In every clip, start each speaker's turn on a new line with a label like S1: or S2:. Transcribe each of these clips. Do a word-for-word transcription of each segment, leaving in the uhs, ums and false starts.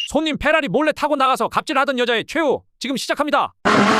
S1: 손님 페라리 몰래 타고 나가서 갑질하던 여자의 최후 지금 시작합니다.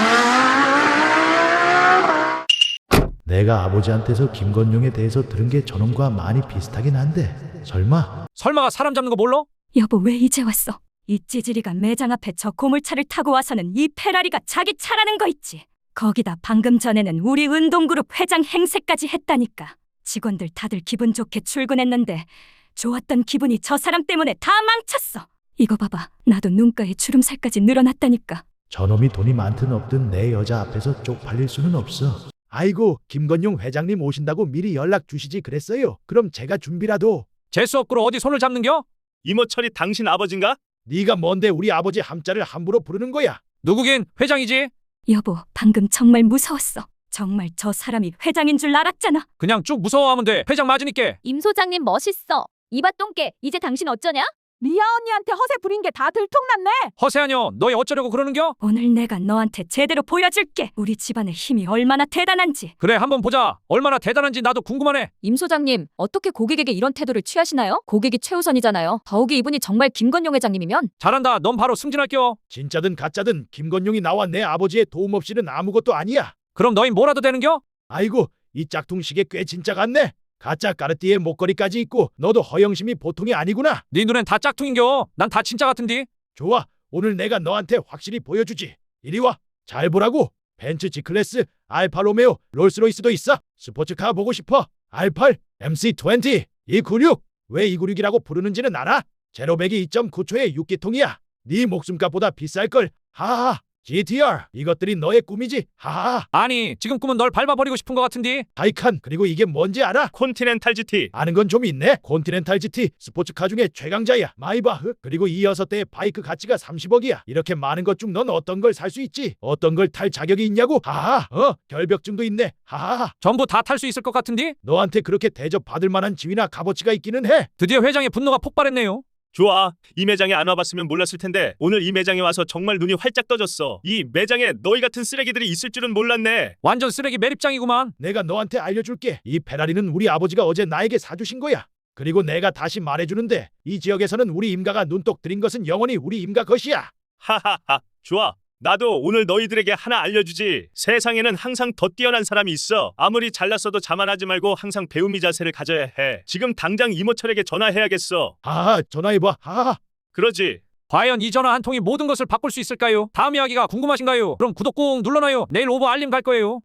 S2: 내가 아버지한테서 김건용에 대해서 들은 게 저놈과 많이 비슷하긴 한데 설마?
S1: 설마가 사람 잡는 거 몰라?
S3: 여보, 왜 이제 왔어? 이 찌질이가 매장 앞에 저 고물차를 타고 와서는 이 페라리가 자기 차라는 거 있지. 거기다 방금 전에는 우리 운동그룹 회장 행세까지 했다니까. 직원들 다들 기분 좋게 출근했는데 좋았던 기분이 저 사람 때문에 다 망쳤어. 이거 봐봐, 나도 눈가에 주름살까지 늘어났다니까.
S2: 저놈이 돈이 많든 없든 내 여자 앞에서 쪽팔릴 수는 없어. 아이고, 김건용 회장님 오신다고 미리 연락 주시지 그랬어요. 그럼 제가 준비라도.
S1: 재수없고로 어디 손을 잡는겨?
S4: 이모철이 당신 아버진가?
S2: 네가 뭔데 우리 아버지 함자를 함부로 부르는 거야?
S1: 누구긴 회장이지.
S3: 여보, 방금 정말 무서웠어. 정말 저 사람이 회장인 줄 알았잖아.
S1: 그냥 쭉 무서워하면 돼. 회장 맞으니까.
S5: 임 소장님 멋있어. 이봐 똥개, 이제 당신 어쩌냐?
S6: 리아 언니한테 허세 부린 게 다 들통났네.
S1: 허세하녀, 너희 어쩌려고 그러는겨?
S3: 오늘 내가 너한테 제대로 보여줄게. 우리 집안의 힘이 얼마나 대단한지.
S1: 그래, 한번 보자. 얼마나 대단한지 나도 궁금하네.
S5: 임 소장님, 어떻게 고객에게 이런 태도를 취하시나요? 고객이 최우선이잖아요. 더욱이 이분이 정말 김건용 회장님이면.
S1: 잘한다. 넌 바로 승진할겨.
S2: 진짜든 가짜든 김건용이 나와 내 아버지의 도움 없이는 아무것도 아니야.
S1: 그럼 너희 뭐라도 되는겨?
S2: 아이고, 이 짝퉁 시계 꽤 진짜 같네. 가짜 까르띠에 목걸이까지 있고 너도 허영심이 보통이 아니구나.
S1: 네 눈엔 다 짝퉁인겨. 난 다 진짜 같은디.
S2: 좋아, 오늘 내가 너한테 확실히 보여주지. 이리 와, 잘 보라고. 벤츠 G클래스, 알파로메오, 롤스로이스도 있어. 스포츠카 보고 싶어. 알팔, 엠씨 이십, 이구육. 왜 이구육이라고 부르는지는 알아? 제로백이 이 점 구 초의 육 기통이야. 네 목숨값보다 비쌀걸. 하하하. 지티알, 이것들이 너의 꿈이지. 하하하.
S1: 아니, 지금 꿈은 널 밟아버리고 싶은 것 같은디.
S2: 타이칸, 그리고 이게 뭔지 알아?
S4: 콘티넨탈 지티.
S2: 아는 건 좀 있네. 콘티넨탈 지티, 스포츠카 중에 최강자야. 마이바흐. 그리고 이 여섯 대의 바이크 가치가 삼십억이야. 이렇게 많은 것 중 넌 어떤 걸 살 수 있지? 어떤 걸 탈 자격이 있냐고? 하하. 어, 결벽증도 있네. 하하.
S1: 전부 다 탈 수 있을 것 같은디.
S2: 너한테 그렇게 대접받을 만한 지위나 값어치가 있기는 해.
S1: 드디어 회장의 분노가 폭발했네요.
S4: 좋아. 이 매장에 안 와봤으면 몰랐을 텐데 오늘 이 매장에 와서 정말 눈이 활짝 떠졌어. 이 매장에 너희 같은 쓰레기들이 있을 줄은 몰랐네.
S1: 완전 쓰레기 매립장이구만.
S2: 내가 너한테 알려줄게. 이 페라리는 우리 아버지가 어제 나에게 사주신 거야. 그리고 내가 다시 말해주는데 이 지역에서는 우리 임가가 눈독 들인 것은 영원히 우리 임가 것이야.
S4: 하하하. 좋아. 나도 오늘 너희들에게 하나 알려주지. 세상에는 항상 더 뛰어난 사람이 있어. 아무리 잘났어도 자만하지 말고 항상 배움이 자세를 가져야 해. 지금 당장 이모철에게 전화해야겠어.
S2: 하하, 전화해봐. 하하.
S4: 그러지.
S1: 과연 이 전화 한 통이 모든 것을 바꿀 수 있을까요? 다음 이야기가 궁금하신가요? 그럼 구독 꾹 눌러놔요. 내일 오버 알림 갈 거예요.